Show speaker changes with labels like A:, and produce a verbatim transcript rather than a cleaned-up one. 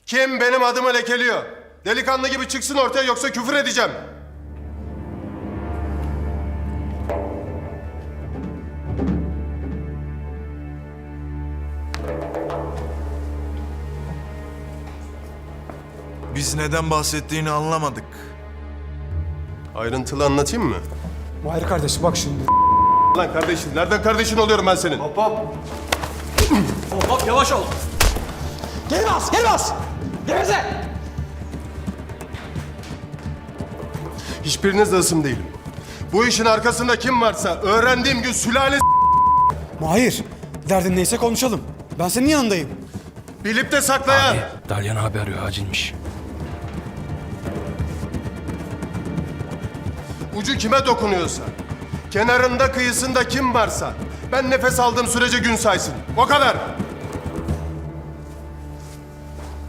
A: Kim benim adımı lekeliyor? Delikanlı gibi çıksın ortaya yoksa küfür edeceğim.
B: Biz neden bahsettiğini anlamadık.
A: Ayrıntılı anlatayım mı?
C: Mahir kardeş bak şimdi.
A: Lan kardeşin, nereden kardeşin oluyorum ben senin?
D: Hop hop yavaş ol.
C: Geri bas, geri bas! Geveze!
A: Hiçbiriniz de ısım değilim. Bu işin arkasında kim varsa öğrendiğim gün sülale
C: Mahir, derdin neyse konuşalım. Ben senin yanındayım.
A: bilip de saklayan.
D: Dalyan abi arıyor, acilmiş.
A: Ucu kime dokunuyorsa, kenarında kıyısında kim varsa ben nefes aldığım sürece gün saysın. O kadar.